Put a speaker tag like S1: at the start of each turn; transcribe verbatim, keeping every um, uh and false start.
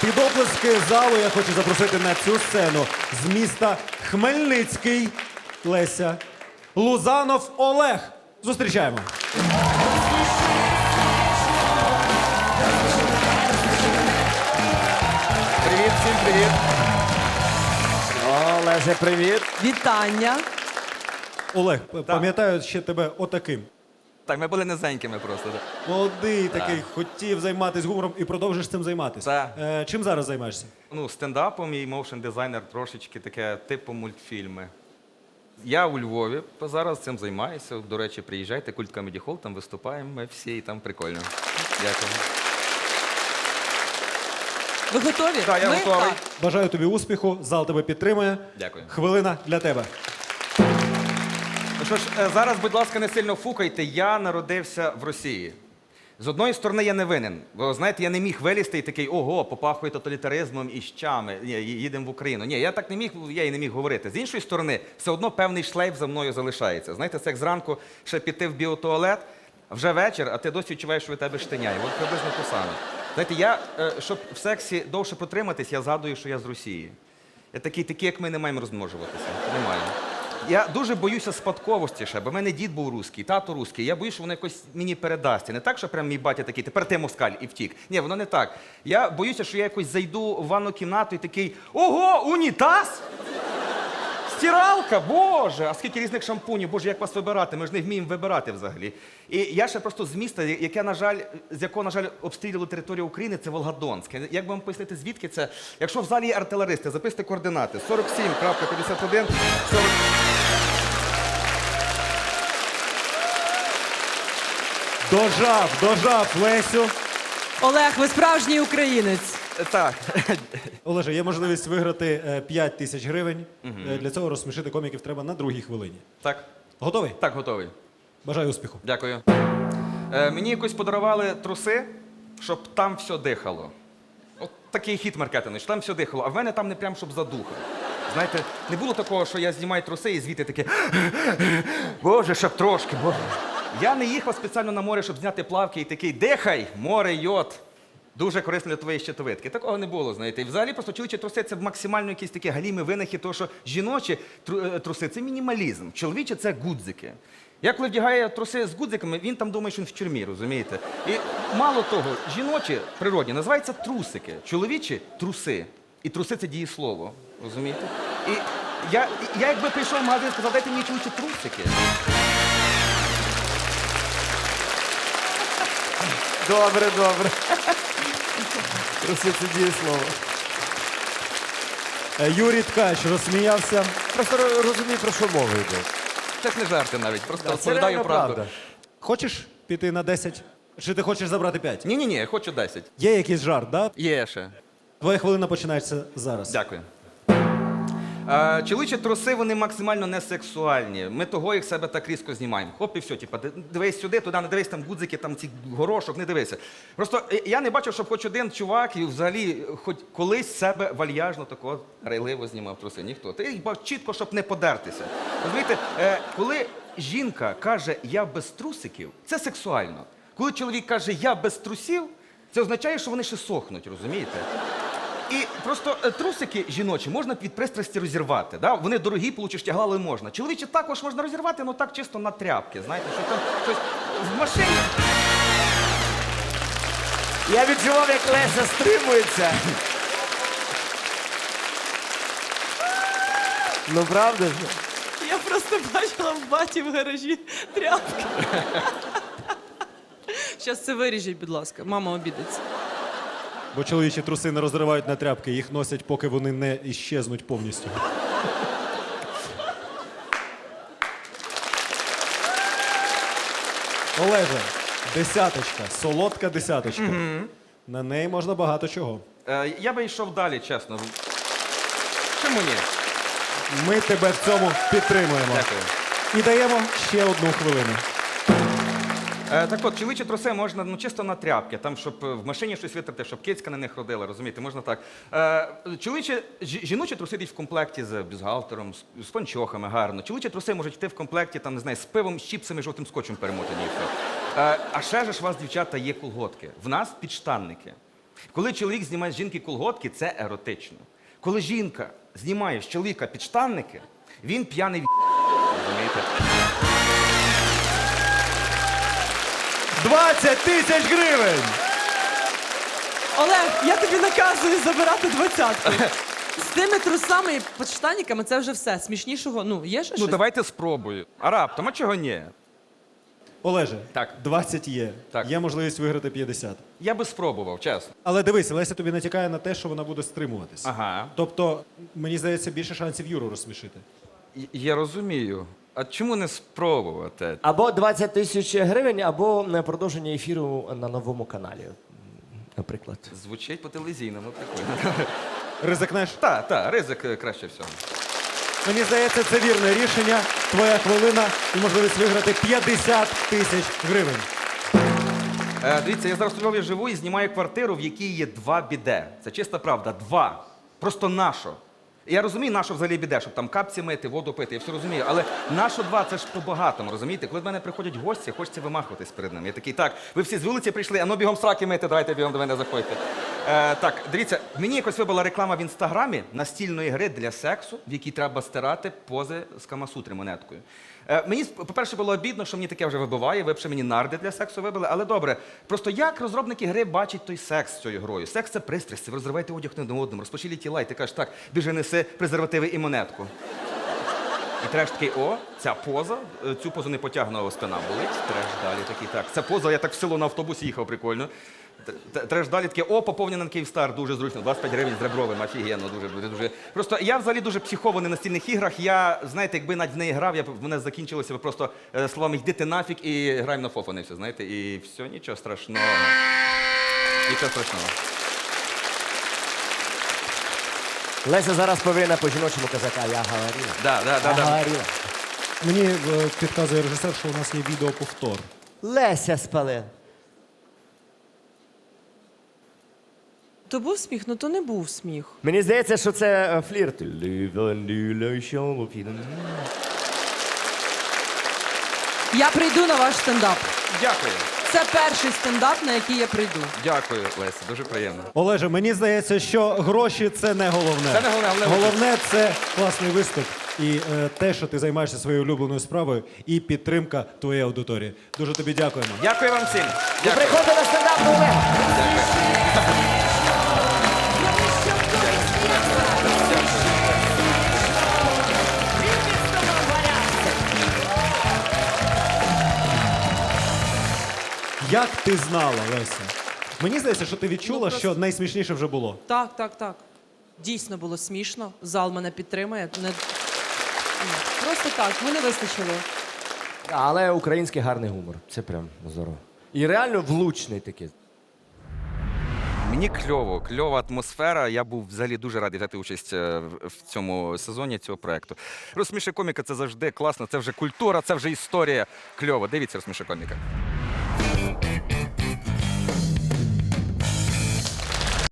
S1: Під оплески залу я хочу запросити на цю сцену з міста Хмельницький Леся Лузанов Олег. Зустрічаємо.
S2: Привіт, всім привіт. О, Леся, привіт.
S3: Вітання.
S1: Олег, пам'ятаю ще тебе отаким.
S2: Так, ми були низенькими просто. так.
S1: Молодий такий, хотів займатися гумором і продовжиш цим займатися.
S2: Так.
S1: Е, чим зараз займаєшся?
S2: Ну, стендапом і моушн дизайнер трошечки таке, типу мультфільми. Я у Львові зараз цим займаюся. До речі, приїжджайте, Культ Комеді Холл, там виступаємо ми всі, і там прикольно. Дякую.
S3: Ви готові?
S2: Так, я
S3: Ми
S2: готовий.
S3: так.
S1: Бажаю тобі успіху, зал тебе підтримує.
S2: Дякую.
S1: Хвилина для тебе.
S2: Ну що ж, е, зараз, будь ласка, не сильно фукайте. Я народився в Росії. З одної сторони, я не винен. Бо, знаєте, я не міг вилізти і такий, ого, попахує тоталітаризмом і щами. Ні, їдемо в Україну. Ні, я так не міг, я і не міг говорити. З іншої сторони, все одно певний шлейф за мною залишається. Знаєте, це як зранку ще піти в біотуалет, вже вечір, а ти досі відчуваєш, що від тебе штиняє. От приблизно те саме. Знаєте, я, е, щоб в сексі довше протриматись, я згадую, що я з Росії. Я такий, такі, як ми, не маємо розмножуватися. Не маємо. Я дуже боюся спадковості ще, бо в мене дід був русський, тато русський. Я боюсь, що воно якось мені передасться. Не так, що прям мій батя такий, тепер ти москаль і втік. Ні, воно не так. Я боюся, що я якось зайду в ванну кімнату і такий, ого, унітаз? Стиралка, боже, а скільки різних шампунів, боже, як вас вибирати? Ми ж не вміємо вибирати взагалі. І я ще просто з міста, яке, на жаль, з якого, на жаль, обстрілювали територію України, це Волгодонськ. Як би вам пояснити, звідки це? Якщо в залі є артилеристи, записуйте координати. сорок сім п'ятдесят один сорок...
S1: Дожав, дожав Лесю.
S3: Олег, ви справжній українець.
S2: Так.
S1: Олеже, є можливість виграти е, п'ять тисяч гривень. Е, Для цього розсмішити коміків треба на другій хвилині.
S2: Так.
S1: Готовий?
S2: Так, готовий.
S1: Бажаю успіху.
S2: Дякую. Е, мені якось подарували труси, щоб там все дихало. От такий хіт маркетинг, що там все дихало, а в мене там не прям, щоб задуха. Знаєте, не було такого, що я знімаю труси і звідти таке, боже, щоб трошки, боже. Я не їхав спеціально на море, щоб зняти плавки і такий, дихай, море, йод. Дуже корисно для твоєї щитовидки. Такого не було, знаєте. І взагалі просто чоловічі труси – це максимально якісь такі галімі винахи, тому що жіночі тру- е, труси – це мінімалізм, чоловічі – це гудзики. Я коли вдягаю труси з гудзиками, він там думає, що він в тюрмі, розумієте? І мало того, жіночі природні називаються трусики, чоловічі – труси. І труси – це дієслово, розумієте? І я, я якби прийшов в магазин і сказав, дайте мені чоловічі трусики.
S4: Добре, добре. Просто це дієслово.
S1: Е, Юрій Ткач розсміявся.
S4: Просто ро- розумій, про що мова йде.
S2: Це ж не жарти навіть, просто
S4: Це
S2: розповідаю
S4: реально
S2: правду.
S4: правда.
S1: Хочеш піти на десять? Чи ти хочеш забрати п'ять?
S2: Ні-ні-ні, я хочу десять.
S1: Є якийсь жарт, да?
S2: Є ще.
S1: Твоя хвилина починається зараз.
S2: Дякую. Е, чоловічі труси, вони максимально не сексуальні. Ми того їх себе так різко знімаємо. Хоп, і все, типу, дивись сюди, туди, не дивись, там гудзики, там ці горошок, не дивися. Просто е, я не бачив, щоб хоч один чувак і взагалі хоч колись себе вальяжно такого рейливо знімав труси. Ніхто. Ти їх бачив чітко, щоб не подертися. Розумієте, е, коли жінка каже «я без трусиків», це сексуально. Коли чоловік каже «я без трусів», це означає, що вони ще сохнуть, розумієте? І просто е, трусики жіночі можна від пристрасті розірвати. Да? Вони дорогі, получиш тягла, але можна. Чоловічі також можна розірвати, але так чисто на тряпки. Знаєте, що там щось в машині.
S4: Я відчував, як Леся стримується. Ну правда ж?
S3: Я просто бачила в баті в гаражі тряпки. Зараз це виріжіть, будь ласка. Мама обідеться.
S1: Бо чоловічі труси не розривають на тряпки, їх носять, поки вони не іщезнуть повністю. Олеже, десяточка, солодка десяточка. На неї можна багато чого.
S2: Е, я би йшов далі, чесно. Чому ні?
S1: Ми тебе в цьому підтримуємо.
S2: Дякую.
S1: І даємо ще одну хвилину.
S2: Е, так от, чоловічі труси можна ну, чисто на тряпки, там, щоб е, в машині щось витерти, щоб кицька на них родила, розумієте, можна так. Е, чоловічі, жі- жіночі труси йдуть в комплекті з бюстгальтером, з, з панчохами, гарно. Чоловічі труси можуть йти в комплекті, там, не знаю, з пивом, з чіпсами, жовтим скотчем перемотані і все. Е, а ще ж у вас, дівчата, є колготки. В нас підштанники. Коли чоловік знімає з жінки колготки, це еротично. Коли жінка знімає з чоловіка підштанники, він п'яний в***. Розумієте?
S1: двадцять тисяч гривень!
S3: Олег, я тобі наказую забирати двадцятку. З тими трусами і подштанниками це вже все. Смішнішого, ну, є ще
S2: Ну
S3: щось?
S2: давайте спробую. А раптом, а чого ні?
S1: Олеже,
S2: Так.
S1: двадцять є.
S2: Так.
S1: Є можливість виграти п'ятдесят.
S2: Я би спробував, чесно.
S1: Але дивись, Леся тобі натякає на те, що вона буде стримуватись.
S2: Ага.
S1: Тобто, мені здається, більше шансів Юру розсмішити.
S2: Й- Я розумію. А чому не спробувати?
S4: Або двадцять тисяч гривень, або е, продовження ефіру на новому каналі, наприклад.
S2: Звучить по телевізійному, прикольно.
S1: Ризикнеш?
S2: Так, так, ризик е, краще всього.
S1: Мені здається, це вірне рішення. Твоя хвилина і можливість виграти п'ятдесят тисяч гривень.
S2: Е, дивіться, я зараз у Львові живу і знімаю квартиру, в якій є два біде. Це чиста правда, два. Просто нашо. Я розумію, нащо взагалі біде, щоб там капці мити, воду пити, я все розумію. Але нащо два, це ж по-багатому, розумієте? Коли до мене приходять гості, хочеться вимахуватись перед ними. Я такий, так, ви всі з вулиці прийшли, а ну бігом сраки мити, давайте бігом до мене заходьте. Е, так, дивіться, мені якось вибила реклама в інстаграмі настільної гри для сексу, в якій треба стирати пози з Камасутри монеткою. Е, мені, по-перше, було обідно, що мені таке вже вибиває, ви б ще мені нарди для сексу вибили, але добре. Просто як розробники гри бачать той секс з цією грою? Секс це пристрасть, ви розриваєте одяг не один одному, розпочілі тіла, і ти кажеш, так, біжи неси презервативи і монетку. І треш такий, о, ця поза, е, цю позу не потягнула спина болить, треш далі такий, так. Ця поза, я так в село на автобусі їхав, прикольно. Т- т- Треш далі таке, о, поповнена на Київстар, дуже зручно, двадцять п'ять гривень з ребровим, офігенно, дуже, дуже, дуже. Просто я взагалі дуже психований на настільних іграх, я, знаєте, якби навіть в неї грав, я б, в мене закінчилося б просто е, словами «йди ти нафіг» і граємо на фофани все, знаєте, і все, нічого страшного. Нічого страшного.
S4: Леся зараз повинна по-жіночому казати, а я говорила.
S2: Да, да, да,
S4: Я
S2: да.
S4: говорила.
S1: Мені е, підказує режисер, що у нас є відеоповтор.
S4: Леся спалила.
S3: То був сміх, ну то не був сміх.
S4: Мені здається, що це е, флірт.
S3: Я прийду на ваш стендап.
S2: Дякую.
S3: Це перший стендап, на який я прийду.
S2: Дякую, Леся, дуже приємно.
S1: Олеже, мені здається, що гроші це не головне.
S2: Це не головне, головне
S1: Головне це класний виступ і е, те, що ти займаєшся своєю улюбленою справою, і підтримка твоєї аудиторії. Дуже тобі дякуємо.
S2: Дякую вам всім.
S4: І
S2: Дякую.
S4: приходи на стендап Олег.
S1: Як ти знала, Леся? Мені здається, що ти відчула,
S3: Ну, просто-
S1: що найсмішніше вже було.
S3: Так, так, так. Дійсно було смішно. Зал мене підтримує. Не... Ні, Просто так, мене вистачило.
S4: Але український гарний гумор. Це прям здорово. І реально влучний такий.
S2: Мені кльово, кльова атмосфера. Я був взагалі дуже радий взяти участь е, в- в цьому сезоні цього проекту. Розсміши коміка це завжди класно, це вже культура, це вже історія. Кльово. Дивіться, розсміши коміка.